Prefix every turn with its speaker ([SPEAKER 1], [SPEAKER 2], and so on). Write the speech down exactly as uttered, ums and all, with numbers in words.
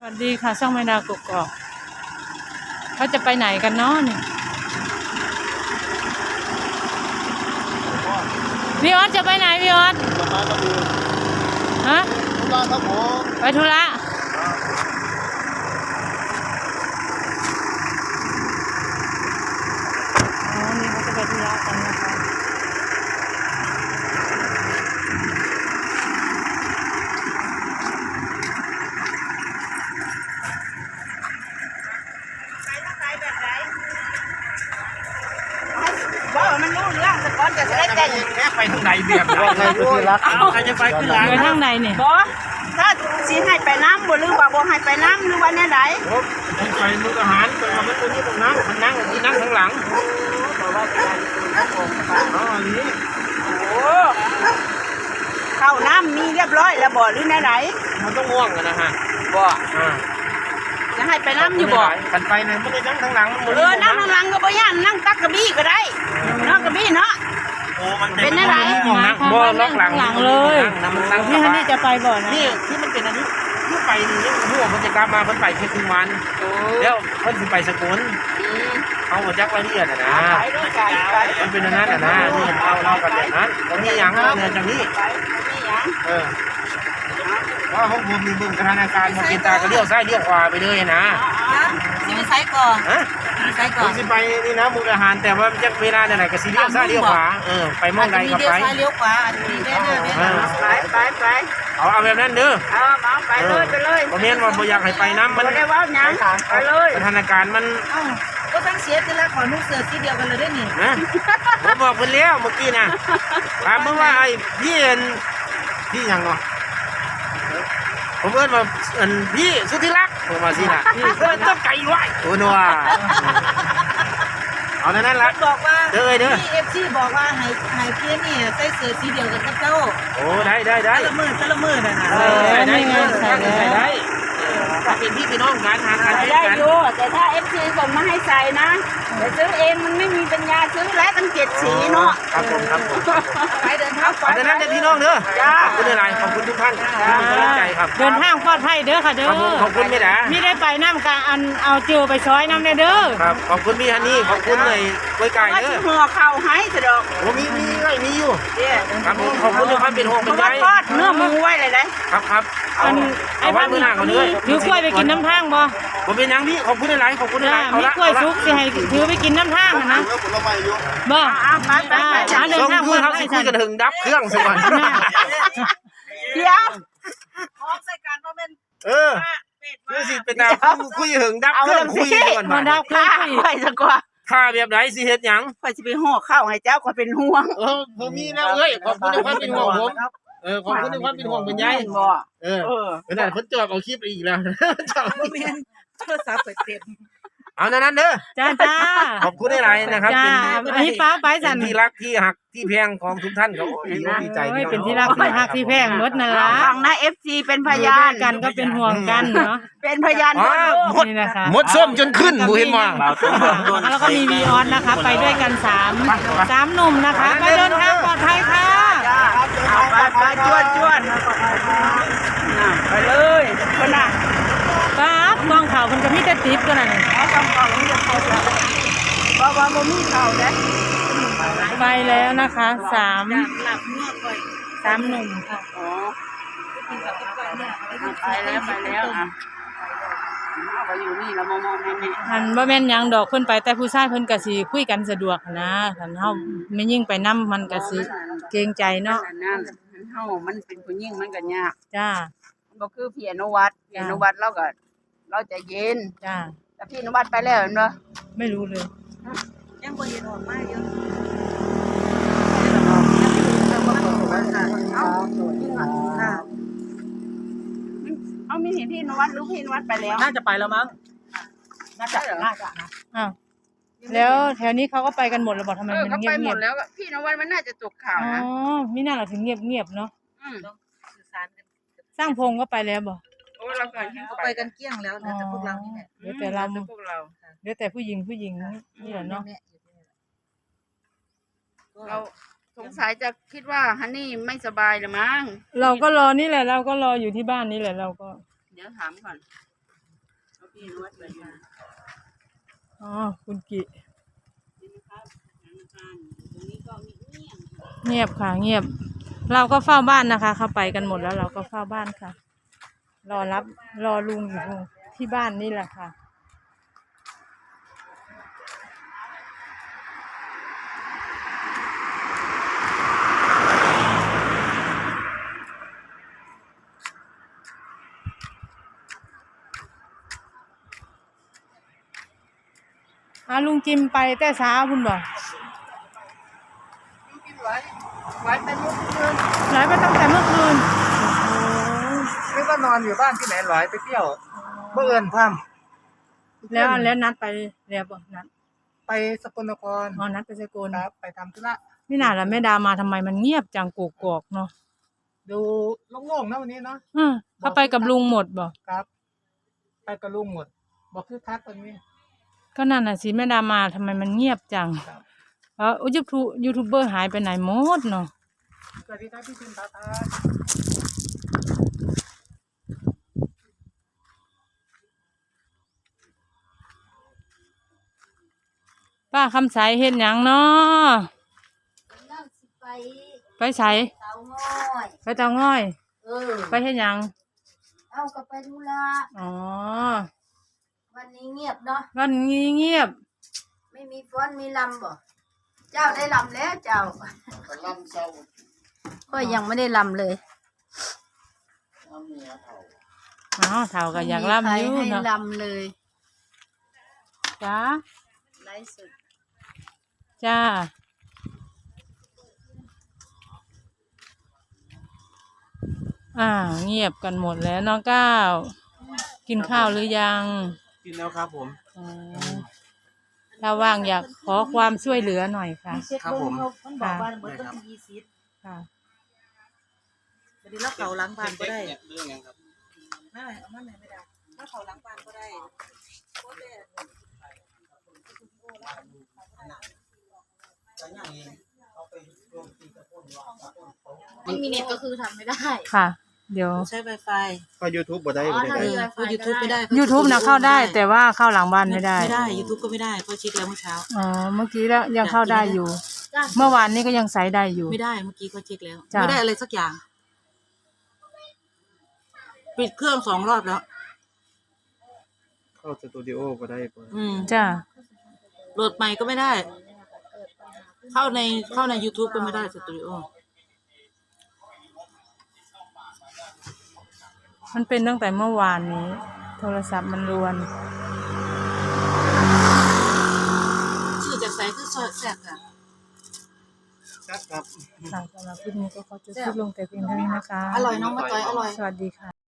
[SPEAKER 1] สวัสดีค่ะช่องแม่ดาวกกอกเขาจะไปไหนกันเนาะเนี่ยพี่ออสจะไปไหนพี่ออสฮะไปธุระอ๋อนี่เขาจะไปธุระกันนะคะ
[SPEAKER 2] ว่ามันรู้เรื่องแต่ก่อนจะได้แต่งแค่ไปทางไหนเบียบว่าใครจะรักใครจะไปขึ้นหลัง
[SPEAKER 1] ไปทางไหนเนี่ย
[SPEAKER 2] บอถ้าสีให้ไปน้ำบ่หรือว่าบ่ให้ไปน้ำหรือว่าเนี่ยไหน
[SPEAKER 3] ไปมื้ออาหารไปเอามันตัวนี้ตรงนั้นมันนั่งที่นั่งข้างหลัง
[SPEAKER 2] บอกว่าจะ
[SPEAKER 3] อ๋ออันนี้
[SPEAKER 2] โอ้เข้าน้ำมีเรียบร้อยแล้วบ่หรือเนี่ยไหน
[SPEAKER 3] มันต้องง่วงกันนะฮะ
[SPEAKER 2] บ่
[SPEAKER 3] อ่า
[SPEAKER 2] จะให้ไปน้ำอยู่บ่
[SPEAKER 3] กันไปเนี่ยไม่ได้นั่งข้างหลัง
[SPEAKER 2] เออนั่งข้างหลังก็บ่ย่านนั่งตักกระบี่ก็ได้นั่งกระบี่เนาะ
[SPEAKER 3] โอ้มัน
[SPEAKER 2] เป็นอะไร
[SPEAKER 3] นะบ่ล็อกหลัง
[SPEAKER 1] หลังเลย
[SPEAKER 3] นั่ง
[SPEAKER 1] พี่ฮันนี่จะไปบ่อนะ
[SPEAKER 3] นี่ที่มันเป็นอันนี้ที่ไปนี่หัวมันจะกลับมาเพิ่นไปแค่ครึ่งวันแล้วเพิ่นสิไปสกุลเอาหัวจักรละเอียดอ่ะนะมันเป็นอันนั้นอ่ะนะนี่เราเล่ากันแบบนั้นตรงนี้อย่างเนี่ยจากนี้เออว่าห้องผมมีบึงกระทาการมากินตาก็เลี้ยวซ้ายเลี้ยวขวาไปเลยนะ
[SPEAKER 2] สิไปไสก่อน
[SPEAKER 3] ฮะ
[SPEAKER 2] ไสก่อน
[SPEAKER 3] สิไปนี่นะมุกอาหารแต่ว่าจะเวลาไหนก็สิเลี้ยวซ้ายเลี้ยวขวาเออไปมองใดก็ไป
[SPEAKER 2] เลี้ยวขวาอันนี้ได้เด้อไปไปไป
[SPEAKER 3] เอาเอาแบบนั้นเด้อ
[SPEAKER 2] เอาเอาไปเลยไปเลย
[SPEAKER 3] บ่แม่นว่าบ่อยากให้ไปน้ำมัน
[SPEAKER 2] ได้ว่าหยังไปเลย
[SPEAKER 3] สถานการณ์มัน
[SPEAKER 2] ก็ทั้งเสียแต่ละขอนุ่งเสื้อสีเดียวกันเลยได้นี่
[SPEAKER 3] นะผมบอกเพิ่นแล้วเมื่อกี้น่ะถามเพิ่นว่าไอ้พี่เอ็นพี่หยังเนาะผมเอิ้นว่าอันพี่สุธิรักผมว่าสิน่ะเพิ่นต้องไก่ไว้โอ้นัวเอานั่นนั่นละ
[SPEAKER 2] บอกว่า
[SPEAKER 3] เด้อเด้อ
[SPEAKER 2] พี่ เอฟ ซี บอกว่าให้ให้เพื่อนนี่ใส่เสื้อสีเดียวกันกับเจ้า
[SPEAKER 3] โอ้ได้ได้ได้
[SPEAKER 2] ละมื้อละมื้อน่ะนะ
[SPEAKER 3] เออใส่ได้ใส่ได้ใส่ได้ถ้าเป็นพี่พี่น้องกันทางกัน
[SPEAKER 2] ได้อยู่แต่ถ้า เอฟ ซี ส่งมาให้ใส่นะแต่ซื้อเองมันไม่มีปัญญาซื้อแล้วตั้งเจ็ดสีเนาะ
[SPEAKER 3] ครับผมครับผม
[SPEAKER 2] ไปเดินทางปลอดภัย
[SPEAKER 3] นั้นเด้อพี่น้องเด้อขอบคุณหลายขอบคุณทุกท่านกำลังใจครับ
[SPEAKER 1] เดินทางปลอดภัยเด้อค่ะเด้อ
[SPEAKER 3] ขอบคุณไม่ได้
[SPEAKER 1] ไม่ได้ไปน้ำกะอันเอาจิวไปช้อยน้ำเด้อ
[SPEAKER 3] ครับขอบคุณพี่ฮันนี่ขอบคุณเลยไว้ไก่เด้อ
[SPEAKER 2] หัวเข่าให้สะดอก
[SPEAKER 3] ผมมีมีไว้มีอยู่ครับผมขอบคุณทุกท่านเป็นห่วงเป็นใย
[SPEAKER 2] ทอดเนื้อหมูไว้เลยได้
[SPEAKER 3] ครับครับ
[SPEAKER 1] อันไอ้บ้านนี้ถือกล้วยไปกินน้ำทางบ่
[SPEAKER 3] ผมเป็นยังพี่ขอบคุณหลายขอบคุณหลาย
[SPEAKER 1] มีกล้วยซุกสิให้ถือไปกินน้ำทางนะบ่
[SPEAKER 2] ไปไปไป
[SPEAKER 1] เดินทาง
[SPEAKER 3] คือเขาสิคุยกันถึงดับเครื่องสักวัน
[SPEAKER 2] เดี๋ยวของใส่การว่าเป็น
[SPEAKER 3] เออคือสิเป็นดาวคุยถึงดับเครื่องคุยก่อน
[SPEAKER 1] มาดับเครื่อง
[SPEAKER 2] ไปสักกว่า
[SPEAKER 3] ข้าแบบไหนสิเฮ็ดหยัง
[SPEAKER 2] ไปสิไปห่อข้าวให้เจ้าก็เป็นห่วง
[SPEAKER 3] เออผมมีแล้วเอ้ยขอบคุณในความเป็นห่วงผมเออขอบคุณในความเป็นห่วงเป็นใยเออเออแต่เพิ่นจอบเอาคลิปอีกแล้วจอบ
[SPEAKER 2] บ่แม่นโทรศัพท์เปิดเต็ม
[SPEAKER 3] เอานั้นนั้นเด้อ
[SPEAKER 1] จ้าจ้า
[SPEAKER 3] ขอบคุณหลายนะครับ
[SPEAKER 1] เป็นอันนี้ฟ้าไปสั่น
[SPEAKER 3] ที่รักที่หักที่แพงของทุกท่านเขาดีใจ
[SPEAKER 1] ที่เป็นที่รักที่หักที่แพงหมดนั่นล่ะ
[SPEAKER 2] ฟังนะ เอฟ ซี เป็นพยาน
[SPEAKER 1] กันก็เป็นห่วงกันเนาะ
[SPEAKER 2] เป็นพยาน
[SPEAKER 3] หมดหมดส้มจนขึ้นบ่เห็นว่า
[SPEAKER 1] แล้วก็มีวีออนนะคะไปด้วยกันสามสามหนุ่มนะคะไปเดินทางปลอดภัยค่ะ
[SPEAKER 2] ไปไปจวดจวดไปเลยคนน่ะ
[SPEAKER 1] ปั๊บกองข่าวมันจะมีแต่ติ๊บกันน่ะนี่
[SPEAKER 2] กองข่าวมันจะเข้าแล้วบ่ว่าบ่มีข่าวเด้
[SPEAKER 1] ไปแล้วนะคะสามสามหนุ่มค่ะ
[SPEAKER 2] อ๋อไปแล้วไปแล้วอ่ะไปอยู่นี่แล้วมองๆแม่ๆ
[SPEAKER 1] หันบ่แม่นหยังดอกเพิ่นไปแต่ผู้ชายเพิ่นก็สิคุยกันสะดวกนะคันเฮาไม่ยิ่งไปนำมันก็สิเกรงใจเนาะ
[SPEAKER 2] นั่นเฮามันเป็นผู้หญิงมันก็ยาก
[SPEAKER 1] จ้า
[SPEAKER 2] ก็คือพี่อนุวัฒน์พี่อนุวัฒน์เราก็เราใจเย็น
[SPEAKER 1] จ้า
[SPEAKER 2] แต่พี่อนุวัฒน์ไปแล้วเนาะ
[SPEAKER 1] ไม่รู้เลย
[SPEAKER 2] ยังบ่เห็นออกมาอยู่เอามีเห็นพี่อนุวัฒน์หรือพี่อนุวัฒน์ไปแล้ว
[SPEAKER 3] น่าจะไปแล้วมั้ง
[SPEAKER 2] น่าจะน่าจะนะ
[SPEAKER 1] อ้าวแล้วแถวนี้เขาก็ไปกันหมดแล้วบอกทำไมมันเงียบ
[SPEAKER 2] ๆหมดแล้วพี่อนุวัฒน์มันน่าจะตกข่าวนะ
[SPEAKER 1] อ๋อมิน่าล่ะถึงเงียบๆเนาะสร้างพงก็ไปแล้วบ่
[SPEAKER 2] โอ้เราเขาไปกันเกลี้ยงแล้วนะแต่พวกเรานี่แหละ
[SPEAKER 1] เดี๋ยวแต่เราพวกเราเดี๋ยวแต่ผู้หญิงผู้หญิงนี่แหละเนาะ
[SPEAKER 2] เราสงสัยจะคิดว่าฮันนี่ไม่สบายหรือมั้ง
[SPEAKER 1] เราก็รอนี่แหละเราก็รออยู่ที่บ้านนี่แหละเราก็
[SPEAKER 2] เดี๋ยวถามก่อนพี่นวดเลยค่ะ
[SPEAKER 1] อ๋อคุณกิ
[SPEAKER 2] นี่นะครับธนาคารตรงนี้ก็มีเงียบ
[SPEAKER 1] เงียบค่ะ เงียบ เราก็เฝ้าบ้านนะคะ เข้าไปกันหมดแล้วเราก็เฝ้าบ้านค่ะ รอรับรอลุงอยู่ที่บ้านนี่แหละค่ะอาลุงจิมไปแต่เช้าคุณบอก
[SPEAKER 3] กินไหวไหวเต็มเมื่อคืน
[SPEAKER 1] ไหลไปตั้งแต่เมื่อคืน
[SPEAKER 3] ไม่ว่านอนอยู่บ้านที่ไหนไหวไปเที่ยวเมื่อเอิญพัม
[SPEAKER 1] แล้วแล้วนัดไปแล้วบอกนัด
[SPEAKER 3] ไปสกลนคร
[SPEAKER 1] อ๋อนัดไปสกล
[SPEAKER 3] ครับไปทำธุระ
[SPEAKER 1] นี่น่าละแม่ดามาทำไมมันเงียบจังกกอกเนาะ
[SPEAKER 3] ดูโล่งๆนะวันนี้เนาะ
[SPEAKER 1] อืมเขาไปกับลุงหมดบอก
[SPEAKER 3] ครับ ไปกับลุงหมด บอกคือคักตอนนี้
[SPEAKER 1] ก็นั่นน่ะสิแม่ดามาทำไมมันเงียบจัง
[SPEAKER 3] ครับ
[SPEAKER 1] เออยูทูบยูทูบเบอร์หายไปไหนหมดเนาะ
[SPEAKER 3] สวัสดีครับพี่ชินตาตา
[SPEAKER 1] ป้าคำใสเฮ็ดหยังเนาะ
[SPEAKER 2] นั่งสิไป
[SPEAKER 1] ไปใส
[SPEAKER 2] เตาง่อย
[SPEAKER 1] ไปเตาง่อย
[SPEAKER 2] เออ
[SPEAKER 1] ไปเฮ็ดหยัง
[SPEAKER 2] เอากลับไปธุระ
[SPEAKER 1] อ๋อ
[SPEAKER 2] วันนี้เงียบเนาะ
[SPEAKER 1] วันนี้เงียบ
[SPEAKER 2] ไม่มีฟ้อนมีลำบ่เจ้าได้ลำแล้วเจ้า
[SPEAKER 3] ลำเศร้า
[SPEAKER 2] ก็ยังไม่ได้ลำเลย
[SPEAKER 3] เอาเมียเผา
[SPEAKER 1] อ๋อเท่ากับอยากล่ำอยู่
[SPEAKER 2] ไม่มีใครให้
[SPEAKER 1] เนาะ
[SPEAKER 2] ลำเลย
[SPEAKER 1] จ้า
[SPEAKER 2] ไลฟ์สด
[SPEAKER 1] จ้าอ่าเงียบกันหมดแล้วน้องก้าวกินข้าวหรือยัง
[SPEAKER 3] กินแล้วครับผม
[SPEAKER 1] อ๋อถ้าว่างอยากขอความช่วยเหลือหน่อยค่ะ
[SPEAKER 3] ครับผม
[SPEAKER 2] มันบอกว่าเบิร์ดต้องยี่สิบ
[SPEAKER 1] ค่ะ
[SPEAKER 2] วันนี้เราเก่าล้างบานก็ได้
[SPEAKER 3] เรื่องยังครับ
[SPEAKER 2] ไม่เอามาไหนไม่ได้ถ้าเขาล้างบานก็ได้ไม่มีเน็ตก็คือทำไม่ได้
[SPEAKER 1] ค่ะ เดี๋ยว
[SPEAKER 2] ใช้ Wi-Fi
[SPEAKER 3] ก็ YouTube บ่ได้
[SPEAKER 2] อ๋อ
[SPEAKER 3] บ่
[SPEAKER 2] ถ้า
[SPEAKER 3] ได้
[SPEAKER 2] มี Wi-Fi
[SPEAKER 4] ยูทูบไม่ได้
[SPEAKER 1] YouTube นะเข้าได้แต่ว่าเข้าหลังบ้านไม่ได้
[SPEAKER 4] ไม่ได้ยูทูบก็ไม่ได้เพราะเช็คแล้วเมื่อเช้า
[SPEAKER 1] อ๋อเมื่อกี้แล้วยังเข้าได้อยู่ เมื่อวานนี้ก็ยังใส่ได้อยู่
[SPEAKER 4] ไม่ได้เมื่อกี้ก็เช็คแล้ว
[SPEAKER 1] จ้ะ
[SPEAKER 4] ไม่ได้อะไรสักอย่าง ปิดเครื่องสองรอบแล้ว
[SPEAKER 3] เข้าสตูดิโอบ่ได้บ่
[SPEAKER 4] อืม
[SPEAKER 1] จ้า
[SPEAKER 4] โหลดใหม่ก็ไม่ได้ เข้าในเข้าใน YouTube ก็ไม่ได้สตูดิโอ
[SPEAKER 1] มันเป็นตั้งแต่เมื่อวานนี้ โทรศัพท์มันรวน
[SPEAKER 4] ชื่อจากไซคือซอยแซกค่ะ
[SPEAKER 3] ครับครับ
[SPEAKER 1] ค่ะสำหรับคลิปนี้ก็ขอจบคลิปลงแต่เพียงเท่านี้นะคะ
[SPEAKER 4] อร่อยน้องมาต่อยอร่อย
[SPEAKER 1] สวัสดีค่ะ